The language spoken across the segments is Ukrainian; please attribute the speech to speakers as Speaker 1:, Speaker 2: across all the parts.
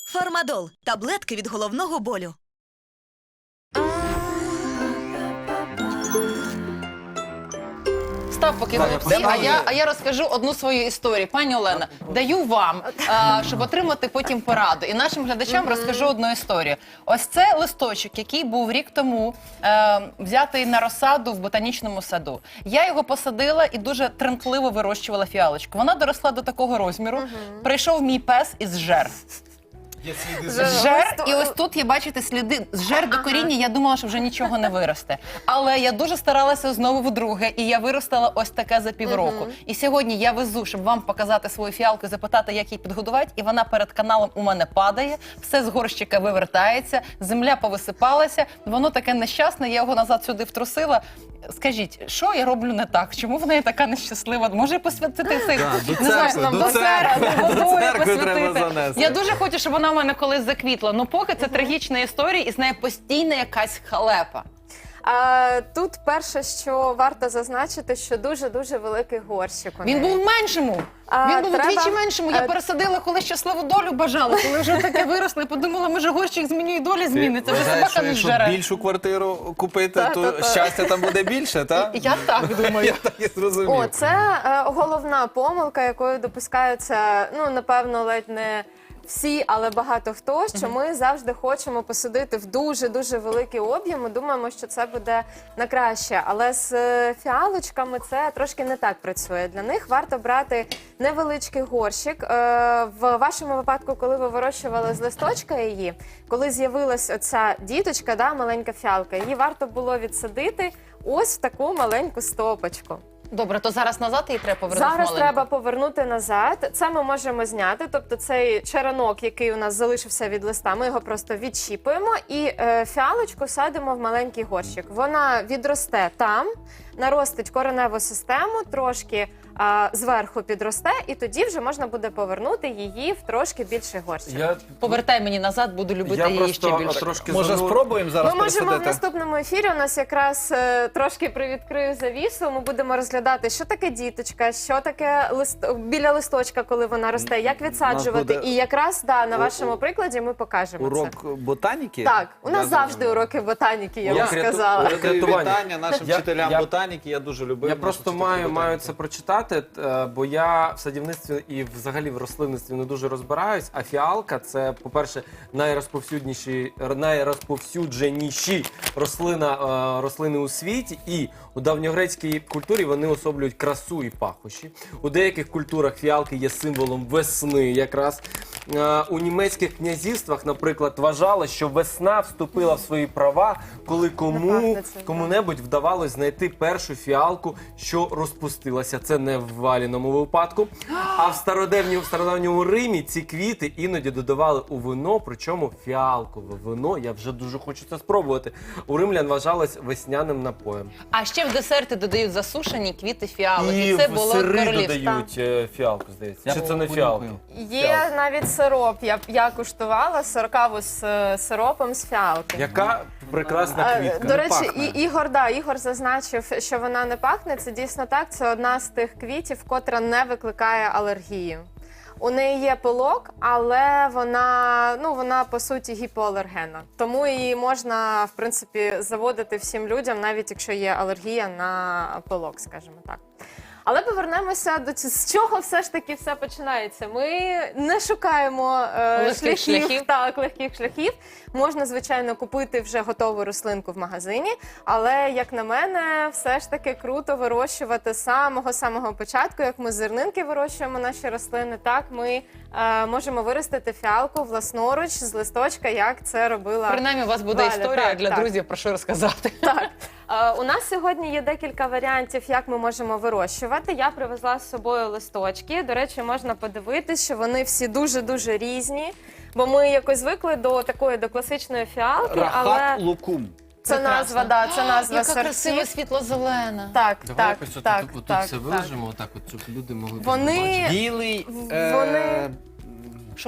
Speaker 1: Фармадол – таблетки від головного болю.
Speaker 2: Став поки голубці, а я розкажу одну свою історію. Пані Олена, даю вам, щоб отримати потім пораду. І нашим глядачам розкажу одну історію. Ось це листочок, який був рік тому взятий на розсаду в ботанічному саду. Я його посадила і дуже тремтливо вирощувала фіалочку. Вона доросла до такого розміру. Прийшов мій пес і зжер. Зжер, і ось тут є, бачите, сліди. Зжер до коріння, я думала, що вже нічого не виросте. Але я дуже старалася знову вдруге, і я виростила ось таке за півроку. І сьогодні я везу, щоб вам показати свою фіалку і запитати, як її підгодувати, і вона перед каналом у мене падає, все з горщика вивертається, земля повисипалася, воно таке нещасне, я його назад сюди втрусила. Скажіть, що я роблю не так? Чому вона є така нещаслива? Може посвятити цей,
Speaker 3: До церкви треба занести.
Speaker 2: Я дуже хочу, щоб вона в мене колись заквітла. Ну поки це трагічна історія і з нею постійна якась халепа.
Speaker 4: Тут перше, що варто зазначити, що дуже-дуже великий горщик у неї.
Speaker 2: Він був в меншому. Він був удвічі меншому. Я пересадила, коли щасливу долю бажала. Коли вже таке виросло, я подумала, може горщик змінює і доля зміниться. Вже собака не зжере.
Speaker 3: Якщо більшу квартиру купити, то щастя там буде більше, так?
Speaker 2: Я так думаю.
Speaker 3: Я так і зрозумів.
Speaker 4: Це головна помилка, якою допускаються, ну, напевно, ледь не всі, але багато хто, що ми завжди хочемо посадити в дуже-дуже великий об'єм, ми думаємо, що це буде на краще. Але з фіалочками це трошки не так працює. Для них варто брати невеличкий горщик. В вашому випадку, коли ви вирощували з листочка її, коли з'явилась оця діточка, да, маленька фіалка, її варто було відсадити ось в таку маленьку стопочку.
Speaker 2: Добре, то зараз назад її треба повернути
Speaker 4: Зараз
Speaker 2: маленьку?
Speaker 4: треба повернути назад. Це ми можемо зняти, тобто цей черенок, який у нас залишився від листа, ми його просто відщіпуємо і фіалочку садимо в маленький горщик. Вона відросте там, наростить кореневу систему, трошки зверху підросте, і тоді вже можна буде повернути її в трошки більший горщик.
Speaker 2: Повертай мені назад, буду любити її ще більше.
Speaker 3: Може, спробуємо зараз
Speaker 4: Ми можемо в
Speaker 3: пересадити?
Speaker 4: наступному ефірі, у нас якраз трошки привідкрию завісу, ми будемо розглядати, що таке діточка, що таке біля листочка, коли вона росте, як відсаджувати.
Speaker 3: буде
Speaker 4: І якраз на вашому прикладі ми покажемо це.
Speaker 3: Урок ботаніки?
Speaker 4: Так, у нас завжди уроки ботаніки, я б сказала.
Speaker 3: Передаю вітання нашим вчителям ботаніки, я дуже любив.
Speaker 5: Я просто маю це прочитати, бо я в садівництві і взагалі в рослинництві не дуже розбираюсь, а фіалка – це, по-перше, найрозповсюдженіші рослини у світі, і у давньогрецькій культурі вони особлюють красу і пахощі. У деяких культурах фіалки є символом весни якраз. У німецьких князівствах, наприклад, вважали, що весна вступила в свої права, коли кому-небудь вдавалось знайти першу фіалку, що розпустилася. Це не в Валіному випадку. А в стародавньому Римі ці квіти іноді додавали у вино, причому фіалкове вино, я вже дуже хочу це спробувати, у римлян вважалось весняним напоєм.
Speaker 2: А ще в десерти додають засушені квіти фіалок.
Speaker 5: І
Speaker 2: І це
Speaker 5: в
Speaker 2: було
Speaker 5: сири
Speaker 2: королівство.
Speaker 5: додають фіалку, здається. Чи це не фіалки?
Speaker 4: Є навіть сироп, я куштувала сиркаву з сиропом з фіалки.
Speaker 5: Яка прекрасна квітка.
Speaker 4: До речі, Ігор зазначив, що вона не пахне. Це дійсно так. Це одна з тих квітів, котра не викликає алергію. У неї є пилок, але вона по суті гіпоалергенна. Тому її можна, в принципі, заводити всім людям, навіть якщо є алергія на пилок, скажімо так. Але повернемося до з чого все ж таки все починається. Ми не шукаємо легких шляхів. Можна, звичайно, купити вже готову рослинку в магазині, але, як на мене, все ж таки круто вирощувати з самого початку. Як ми зернинки вирощуємо наші рослини, так ми можемо виростити фіалку власноруч з листочка, як це робила
Speaker 2: Принаймні, у вас буде
Speaker 4: Валя.
Speaker 2: історія для друзів, про що розказати.
Speaker 4: Так. У нас сьогодні є декілька варіантів, як ми можемо вирощувати. Я привезла з собою листочки. До речі, можна подивитись, що вони всі дуже-дуже різні, бо ми якось звикли до класичної фіалки, але
Speaker 3: Рахат лукум.
Speaker 4: це назва, це назва
Speaker 2: Яка красива
Speaker 4: сортів.
Speaker 2: світло-зелена.
Speaker 4: Так,
Speaker 5: Давай якось
Speaker 4: так.
Speaker 5: тут все вилежимо, отак, щоб люди могли
Speaker 4: Вони-
Speaker 5: побачити.
Speaker 3: Білий.
Speaker 4: Вони-
Speaker 2: Шоколад?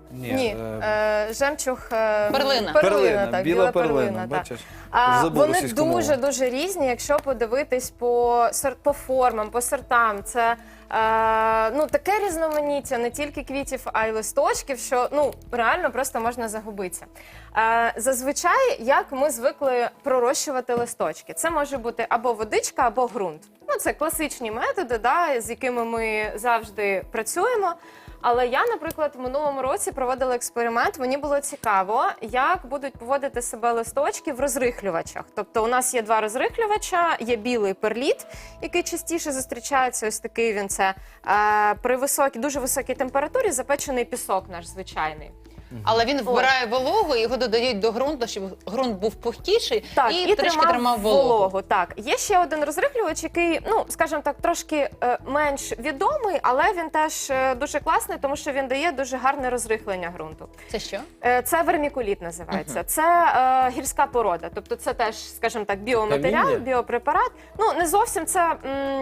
Speaker 4: Ні, жемчуг...
Speaker 2: Перлина.
Speaker 3: Перлина,
Speaker 4: так,
Speaker 3: біла перлина,
Speaker 4: так.
Speaker 3: бачиш?
Speaker 4: А,
Speaker 3: Забув
Speaker 4: вони
Speaker 3: російську мову.
Speaker 4: дуже різні, якщо подивитись по формам, по сортам. Це таке різноманіття не тільки квітів, а й листочків, що реально просто можна загубитися. Зазвичай, як ми звикли пророщувати листочки, це може бути або водичка, або ґрунт. Це класичні методи, з якими ми завжди працюємо. Але я, наприклад, в минулому році проводила експеримент. Мені було цікаво, як будуть поводити себе листочки в розрихлювачах. Тобто у нас є два розрихлювача, є білий перліт, який частіше зустрічається, ось такий він це, при дуже високій температурі запечений пісок наш звичайний.
Speaker 2: Але він вбирає вологу, і його додають до ґрунту, щоб ґрунт був пухкіший і трішки тримав вологу.
Speaker 4: Так, є ще один розрихлювач, який, скажімо так, трошки менш відомий, але він теж дуже класний, тому що він дає дуже гарне розрихлення ґрунту.
Speaker 2: Це що?
Speaker 4: Це вермікуліт називається. Це гірська порода, тобто це теж, скажімо так, біоматеріал,
Speaker 5: Каміння?
Speaker 4: біопрепарат. Не зовсім це,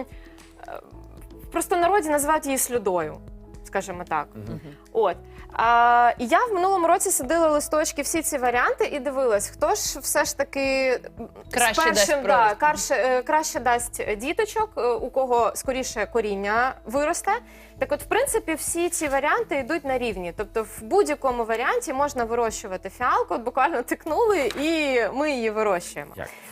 Speaker 4: в простонароді називають її слюдою, скажімо так. От. І я в минулому році садила листочки, всі ці варіанти, і дивилась, хто ж все ж таки краще дасть діточок, у кого скоріше коріння виросте. Так от, в принципі, всі ці варіанти йдуть на рівні. Тобто в будь-якому варіанті можна вирощувати фіалку, от буквально тикнули, і ми її вирощуємо.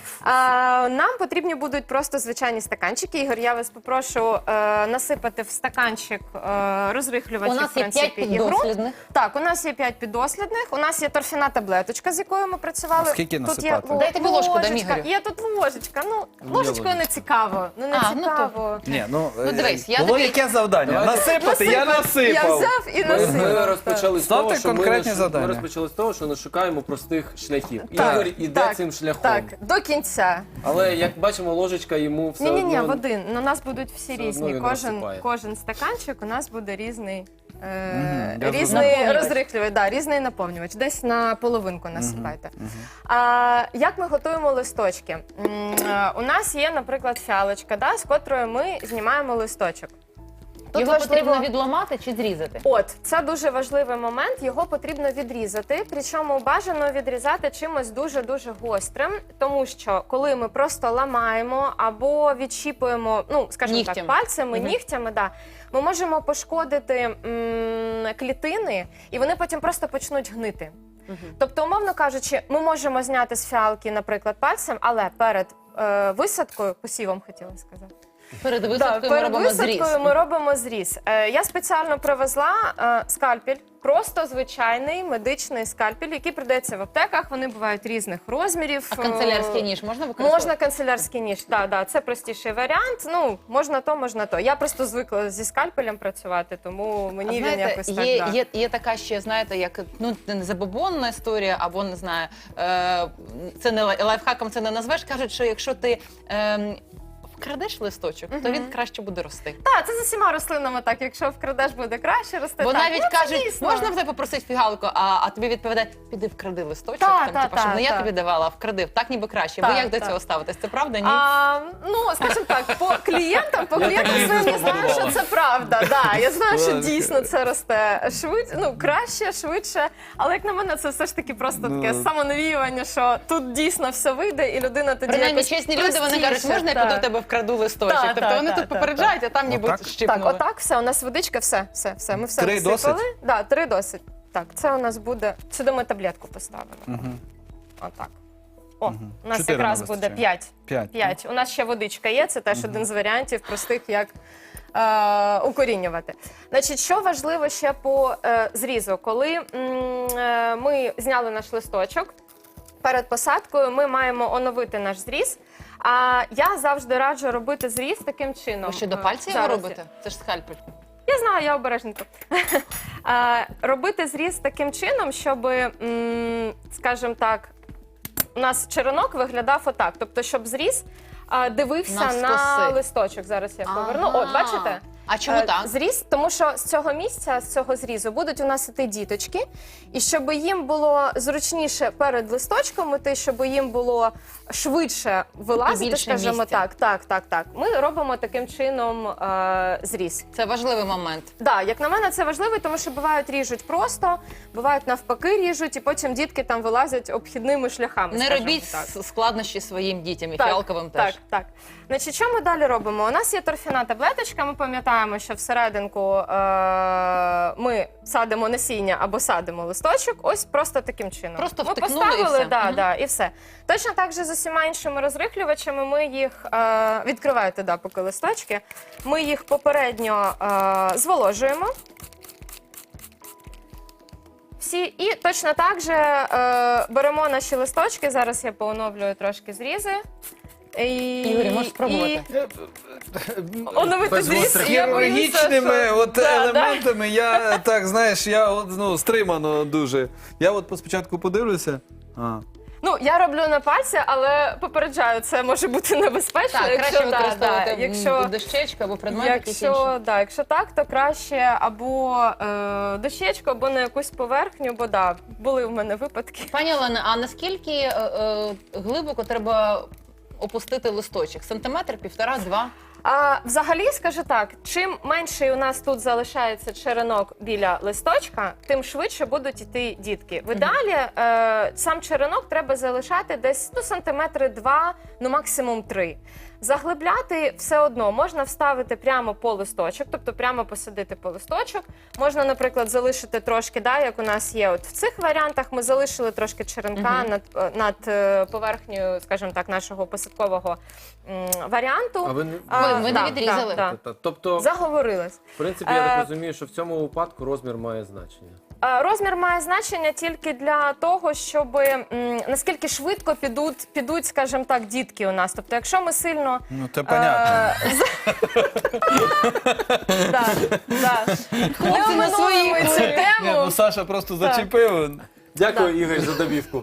Speaker 4: Нам потрібні будуть просто звичайні стаканчики. Ігор, я вас попрошу насипати в стаканчик розрихлювачів.
Speaker 2: У нас є 5 піддослідних.
Speaker 4: Так, у нас є 5 піддослідних. У нас є торфяна таблеточка, з якою ми працювали.
Speaker 3: Скільки
Speaker 4: Тут
Speaker 3: насипати?
Speaker 4: є
Speaker 2: Дайте мені ложку, дам
Speaker 4: ложечка.
Speaker 2: Ігорю.
Speaker 4: Є тут ложечка. Ложечкою не цікаво. Не цікаво.
Speaker 3: Ні,
Speaker 2: дивись, я
Speaker 3: було
Speaker 2: тобі-
Speaker 3: яке завдання? Насипати, я
Speaker 4: Я
Speaker 3: насипав.
Speaker 4: взяв і насипав.
Speaker 5: Ми розпочали з того,
Speaker 3: Ставте
Speaker 5: що
Speaker 3: конкретні завдання.
Speaker 5: ми розпочали з того, що не шукаємо простих шляхів.
Speaker 4: Так,
Speaker 5: Ігор іде
Speaker 4: так,
Speaker 5: цим шляхом.
Speaker 4: Так, до кінця.
Speaker 5: Але як бачимо, ложечка йому все
Speaker 4: Ні,
Speaker 5: одно...
Speaker 4: в один. У нас будуть всі
Speaker 5: Все
Speaker 4: різні.
Speaker 5: одно він розсипає.
Speaker 4: Кожен стаканчик у нас буде різний.
Speaker 3: я
Speaker 4: Різний
Speaker 2: Наповнювач.
Speaker 4: розрихлювач, різний наповнювач. Десь на половинку насипайте. Як ми готуємо листочки? У нас є, наприклад, фіалочка, з котрою ми знімаємо листочок. Тут
Speaker 2: Його потрібно відламати чи зрізати?
Speaker 4: Це дуже важливий момент, його потрібно відрізати, причому бажано відрізати чимось дуже-дуже гострим, тому що коли ми просто ламаємо або відщіпуємо, скажімо так,
Speaker 2: Нігтями.
Speaker 4: пальцями, нігтями, ми можемо пошкодити клітини, і вони потім просто почнуть гнити. Тобто, умовно кажучи, ми можемо зняти з фіалки, наприклад, пальцем, але перед висадкою, посівом хотіла сказати,
Speaker 2: Перед висадкою ми робимо зріз.
Speaker 4: ми робимо зріз. Я спеціально привезла скальпель, просто звичайний медичний скальпель, який продається в аптеках. Вони бувають різних розмірів.
Speaker 2: А канцелярський ніж можна використовувати?
Speaker 4: Можна канцелярський ніж, так, це простіший варіант. Можна то, можна то. Я просто звикла зі скальпелем працювати, тому мені він якось так.
Speaker 2: Є така ще, знаєте, як не забобонна історія, або не знаю, це не лайфхаком це не назвеш. Кажуть, що якщо ти вкрадеш листочок, то він краще буде рости.
Speaker 4: Так, це з усіма рослинами так. Якщо вкрадеш, буде краще рости.
Speaker 2: Бо
Speaker 4: так.
Speaker 2: навіть
Speaker 4: Це
Speaker 2: кажуть,
Speaker 4: дійсно.
Speaker 2: можна в тебе попросити фігалку, а тобі відповідають, піди вкради листочок, щоб не я тобі давала, а вкрадив. Так ніби краще. Ви як до цього ставитесь? Це правда, ні?
Speaker 4: Скажімо так, по клієнтам своїм я знаю, що це правда. Я знаю, що дійсно це росте краще, швидше. Але як на мене, це все ж таки просто таке самонавіювання, що тут дійсно все вийде, і людина тоді
Speaker 2: Принаймні,
Speaker 4: якось
Speaker 2: чесні люди, вони кажуть, можна я піду в тебе вкраду листочок?
Speaker 4: Так,
Speaker 2: Тобто вони тут попереджають, а там ніби щипнули.
Speaker 4: Так, отак, все, у нас водичка, все. Ми все
Speaker 3: 3
Speaker 4: насипали. Так, 3 досить. Так, це у нас буде, сюди ми таблетку поставили. Отак. У нас
Speaker 3: 4
Speaker 4: якраз
Speaker 3: нам
Speaker 4: буде
Speaker 3: вистачає.
Speaker 4: 5. 5. У нас ще водичка є, це теж один з варіантів простих, як укорінювати. Значить, що важливо ще по зрізу? Коли ми зняли наш листочок, перед посадкою ми маємо оновити наш зріз. А я завжди раджу робити зріз таким чином.
Speaker 2: Ви що, до пальця його робите? Це ж скальпель.
Speaker 4: Я знаю, я обережненько. Робити зріз таким чином, щоб, скажімо так, у нас черенок виглядав отак. Тобто, щоб зріз дивився на листочок. Зараз я поверну. От, бачите?
Speaker 2: А чому так?
Speaker 4: Зріз, тому що з цього місця, з цього зрізу будуть у нас іти діточки, і щоб їм було зручніше перед листочком іти, щоб їм було швидше вилазити,
Speaker 2: більше
Speaker 4: скажімо
Speaker 2: місця.
Speaker 4: так. Ми робимо таким чином зріз.
Speaker 2: Це важливий момент.
Speaker 4: Да, як на мене, це важливо, тому що бувають ріжуть просто, бувають навпаки ріжуть, і потім дітки там вилазять обхідними шляхами.
Speaker 2: Не
Speaker 4: скажімо
Speaker 2: робіть
Speaker 4: так.
Speaker 2: складнощі своїм дітям і
Speaker 4: Так,
Speaker 2: фіалковим теж.
Speaker 4: Так. Значить, що ми далі робимо? У нас є торфяна таблеточка, ми пам'ятаємо, що всерединку ми садимо насіння або садимо листочок, ось просто таким чином.
Speaker 2: Просто
Speaker 4: ми
Speaker 2: втикнули
Speaker 4: поставили,
Speaker 2: і все. Мгм.
Speaker 4: і все. Точно так же з усіма іншими розрихлювачами ми їх, відкривайте, поки листочки, ми їх попередньо зволожуємо. Всі, і точно так же беремо наші листочки, зараз я пооновлюю трошки зрізи.
Speaker 2: Ігор, можеш спробувати.
Speaker 4: Оновити
Speaker 3: Без
Speaker 4: зріз,
Speaker 3: гострих
Speaker 4: я боюся,
Speaker 3: хірургічними
Speaker 4: що-
Speaker 3: от
Speaker 4: Да,
Speaker 3: елементами я так, знаєш, я от, стримано дуже. Я от спочатку подивлюся.
Speaker 4: Ну, я роблю на пальці, але попереджаю, це може бути небезпечно.
Speaker 2: Так, краще використовувати
Speaker 4: якщо,
Speaker 2: дощечку або предмет якийсь інший.
Speaker 4: якщо так, то краще або дощечку, або на якусь поверхню, бо були в мене випадки.
Speaker 2: Пані Олена, а наскільки глибоко треба опустити листочок? Сантиметр, півтора-два?
Speaker 4: А взагалі, скажу так, чим менший у нас тут залишається черенок біля листочка, тим швидше будуть йти дітки. В ідеалі сам черенок треба залишати десь сантиметри 2, максимум 3. Заглибляти все одно можна вставити прямо по листочок, тобто прямо посадити по листочок. Можна, наприклад, залишити трошки, як у нас є от в цих варіантах, ми залишили трошки черенка над поверхнею, скажімо так, нашого посадкового варіанту.
Speaker 5: А ви
Speaker 2: Ви не відрізали?
Speaker 5: Тобто,
Speaker 4: Заговорилась.
Speaker 5: в принципі, я так розумію, що в цьому випадку розмір має значення.
Speaker 4: Розмір має значення тільки для того, щоб наскільки швидко підуть, скажімо так, дітки у нас. Тобто, якщо ми сильно...
Speaker 3: Ну, це понятно.
Speaker 2: Хлопці на своїй
Speaker 4: цю тему.
Speaker 3: Саша просто зачепив.
Speaker 5: Дякую, Ігор, за добівку.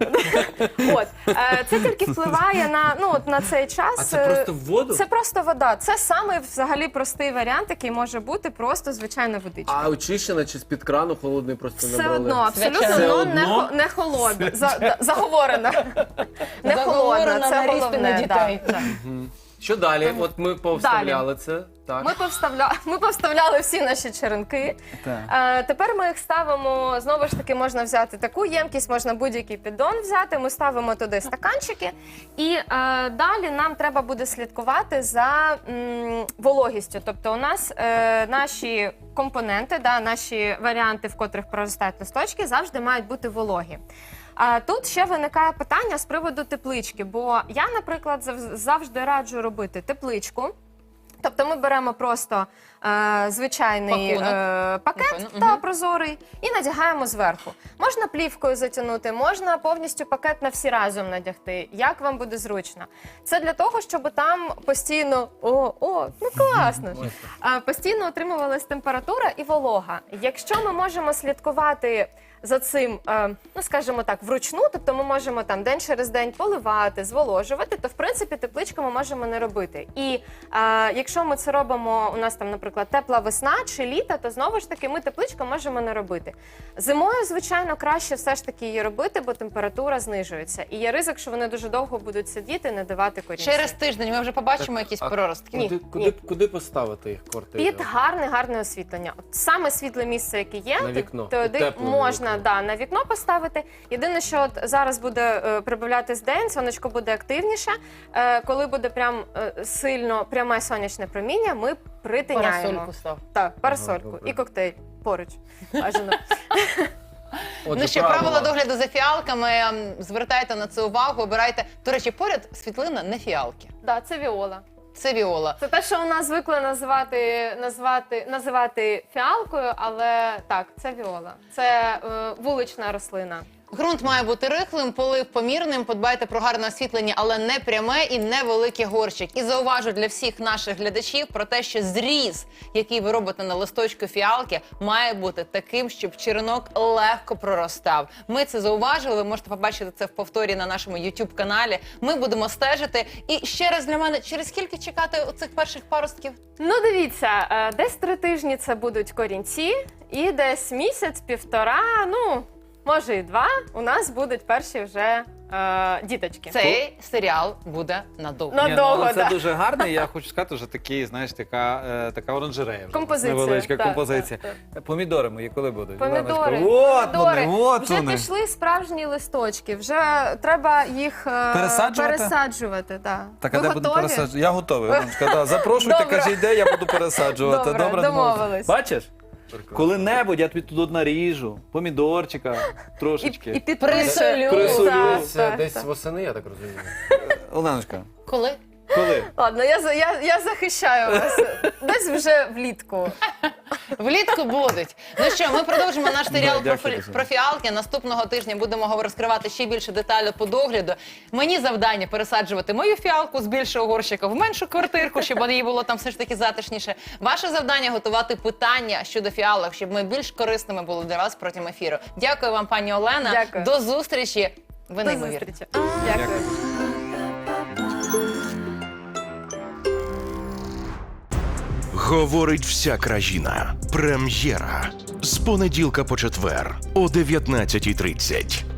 Speaker 4: Це тільки впливає на цей час.
Speaker 5: А це просто в воду?
Speaker 4: Це просто вода. Це самий взагалі простий варіант, який може бути просто звичайна водичка.
Speaker 5: А очищена чи з-під крану холодний просто
Speaker 4: Все
Speaker 5: набрали?
Speaker 4: одно, абсолютно,
Speaker 2: Все
Speaker 5: одно?
Speaker 4: не холодна. Заговорена. Не холодна,
Speaker 2: Заговорена
Speaker 4: це
Speaker 2: на різти
Speaker 4: головне.
Speaker 2: на дітей.
Speaker 4: да.
Speaker 5: Що далі? От ми повставляли це. Так.
Speaker 4: Ми повставляли всі наші черенки. Тепер ми їх ставимо, знову ж таки, можна взяти таку ємкість, можна будь-який піддон взяти, ми ставимо туди стаканчики. І далі нам треба буде слідкувати за вологістю. Тобто у нас наші компоненти, наші варіанти, в котрих проростають листочки, завжди мають бути вологі. А тут ще виникає питання з приводу теплички, бо я, наприклад, завжди раджу робити тепличку. Тобто ми беремо просто звичайний пакет прозорий і надягаємо зверху. Можна плівкою затягнути, можна повністю пакет на всі разом надягти, як вам буде зручно. Це для того, щоб там постійно, класно, постійно отримувалась температура і волога. Якщо ми можемо слідкувати за цим, скажімо так, вручну, тобто ми можемо там день через день поливати, зволожувати, то в принципі тепличку ми можемо не робити. І якщо ми це робимо, у нас там, наприклад, тепла весна чи літо, то знову ж таки ми тепличку можемо не робити. Зимою, звичайно, краще все ж таки її робити, бо температура знижується. І є ризик, що вони дуже довго будуть сидіти, не давати корінців.
Speaker 2: Через тиждень ми вже побачимо якісь проростки.
Speaker 4: Ні.
Speaker 5: Куди поставити їх квартиру?
Speaker 4: Під гарне освітлення. От саме світле місце, яке є,
Speaker 5: На вікно.
Speaker 4: туди
Speaker 5: Тепле
Speaker 4: можна
Speaker 5: вікно.
Speaker 4: на вікно поставити. Єдине, що от зараз буде прибавлятись день, сонечко буде активніше. Коли буде прям сильно пряме сонячне проміння, ми притиняємо.
Speaker 2: Парасольку став.
Speaker 4: Так, парасольку
Speaker 5: добре.
Speaker 4: і коктейль поруч. Бажано.
Speaker 5: Отже,
Speaker 2: Ще правила догляду за фіалками. Звертайте на це увагу, обирайте. До речі, поряд світлина не фіалки.
Speaker 4: Так, це віола.
Speaker 2: Це віола.
Speaker 4: Це те, що у нас звикли називати фіалкою, але так, це віола. Це вулична рослина.
Speaker 2: Ґрунт має бути рихлим, полив помірним, подбайте про гарне освітлення, але не пряме і не великий горщик. І зауважу для всіх наших глядачів про те, що зріз, який ви робите на листочку фіалки, має бути таким, щоб черенок легко проростав. Ми це зауважили, ви можете побачити це в повторі на нашому YouTube-каналі. Ми будемо стежити. І ще раз для мене, через скільки чекати оцих перших паростків?
Speaker 4: Ну, дивіться, десь 3 тижні це будуть корінці, і десь місяць-півтора, ну, може і 2, у нас будуть перші вже діточки.
Speaker 2: Цей серіал буде надовго.
Speaker 4: Надовго,
Speaker 3: Ні, ну, це
Speaker 4: да.
Speaker 3: дуже гарно, і я хочу сказати, що такий, знаєш, така оранжерея. Вже.
Speaker 4: Композиція,
Speaker 3: Невеличка
Speaker 4: так,
Speaker 3: композиція. Помідори мої коли будуть?
Speaker 4: Помідори.
Speaker 3: От
Speaker 4: Помідори.
Speaker 3: вони, от
Speaker 4: Вже
Speaker 3: вони.
Speaker 4: пішли справжні листочки, вже треба їх пересаджувати. Да.
Speaker 3: Так, а
Speaker 4: Ви
Speaker 3: де буду
Speaker 4: готові?
Speaker 3: пересаджувати? Я готовий. Іваночка, да. Запрошуйте,
Speaker 4: Добре.
Speaker 3: кажіть, де я буду пересаджувати.
Speaker 4: Добре, домовились.
Speaker 3: Бачиш? Коли-небудь я тобі тут наріжу, помідорчика трошечки.
Speaker 4: І підпишемо.
Speaker 2: Присолю.
Speaker 3: Присолю.
Speaker 4: Так,
Speaker 5: Це
Speaker 4: так,
Speaker 5: десь
Speaker 4: так.
Speaker 5: восени, я так розумію.
Speaker 3: Оленочка,
Speaker 2: Коли?
Speaker 3: коли?
Speaker 4: Ладно, я захищаю вас. Десь вже влітку.
Speaker 2: Влітку будуть. Ну що, ми продовжимо наш серіал
Speaker 3: Да, дякую, Оксана.
Speaker 2: про фіалки. Наступного тижня будемо розкривати ще більше деталей по догляду. Мені завдання пересаджувати мою фіалку з більшого горщика в меншу квартирку, щоб їй було там все ж таки затишніше. Ваше завдання готувати питання щодо фіалок, щоб ми більш корисними були для вас протягом ефіру. Дякую вам, пані Олена.
Speaker 4: Дякую.
Speaker 2: До зустрічі. Ви
Speaker 4: До
Speaker 2: неймовірні.
Speaker 4: зустрічі. Дякую.
Speaker 6: Говорить вся країна. Прем'єра. З понеділка по четвер о 19:30.